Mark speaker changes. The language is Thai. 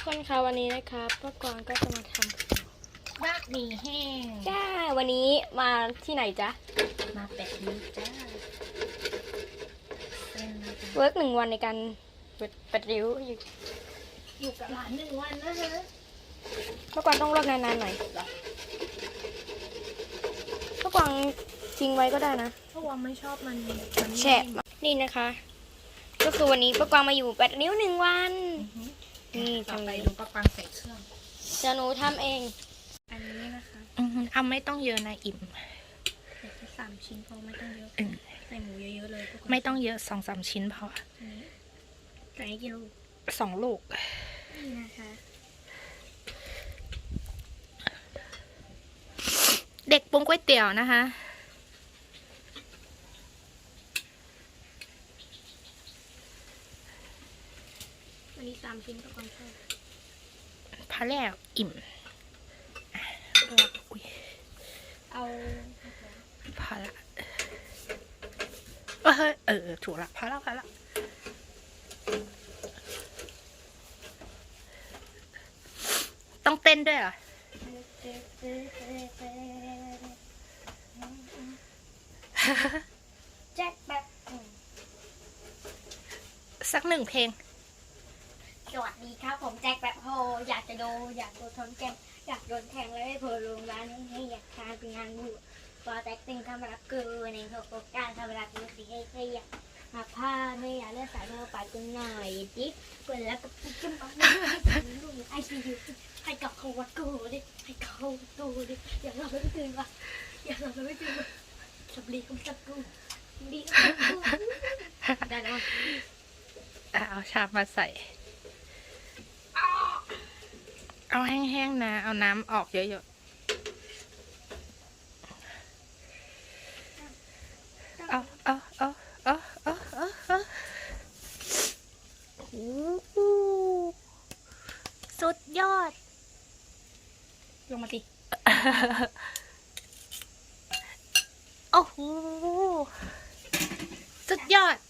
Speaker 1: คนคะวันนี้นะคะป้ากวางก็จะมาทำ
Speaker 2: บะหมี่แห้ง
Speaker 1: จ้าวันนี้มาที่ไหนจ๊ะ
Speaker 2: มา8 นิ้วจ้า
Speaker 1: เวิร์ก1 วันในการปัดริ้ว
Speaker 2: อยู่กับหลาน1 วันนะฮะ
Speaker 1: ป้ากวางต้องลวกนานๆหน่อยป้ากวางทิ้งไว้ก็ได้นะ
Speaker 2: เพราะว่าไม่ชอบมัน
Speaker 1: แฉะนี่นะคะ ก็คือวันนี้ป้ากวางมาอยู่8 นิ้ว1 วันนี่ทำ
Speaker 2: ไป
Speaker 1: อะไร
Speaker 2: ดูปลาปังใส่เครื่อง
Speaker 1: จะหนูทำเอง
Speaker 2: อันนี้นะคะเอาไม่ต้องเยอะนะอิ่มใส่แค่3 ชิ้นพอไม่ต้องเยอะใส่หมูเยอะๆเลยไม่ต้องเยอะ2-3 ชิ้นพอ
Speaker 1: ใส่กี่ลูก
Speaker 2: 2 ลูก
Speaker 1: นี่นะคะ
Speaker 2: เด็กปรุงก๋วยเตี๋ยวนะคะ
Speaker 1: วันนี้3 ชิ้นป้ากวางชอบ
Speaker 2: พอแล้วอิ่ม
Speaker 1: เอา
Speaker 2: พอละถูกละพอละต้องเต้นด้วยเหรอ
Speaker 1: แจ็คแบบ
Speaker 2: สัก1 เพลง
Speaker 1: สวัสดีครับผมแจ็คแบบโฮอยากโดนทนแกมอยากโดนแทงแล้วให้เพลงร้านนี้ให้อยากทานเป็นงานบุญพอแท็กติ้งทำรับเกินในโครงการทำรับมือสีให้อยากมาผ้าไม่อยากเลือกสายมาปัดกันหน่อยจิ๊บเปิดแล้วก็จิ้มปั๊บลูกไอซียูให้กับเขาวัดกูดิให้เขาดูดิอยากเราไม่ตื่นวะอยากเราไม่ตื่นวะสับลีกับสับกูดีได้แล้ว
Speaker 2: เอาชามมาใส่เอาแห้งๆนะเอาน้ำออกเยอะๆสุดยอด
Speaker 1: ลงมาสิ
Speaker 2: โอ้โหสุดยอด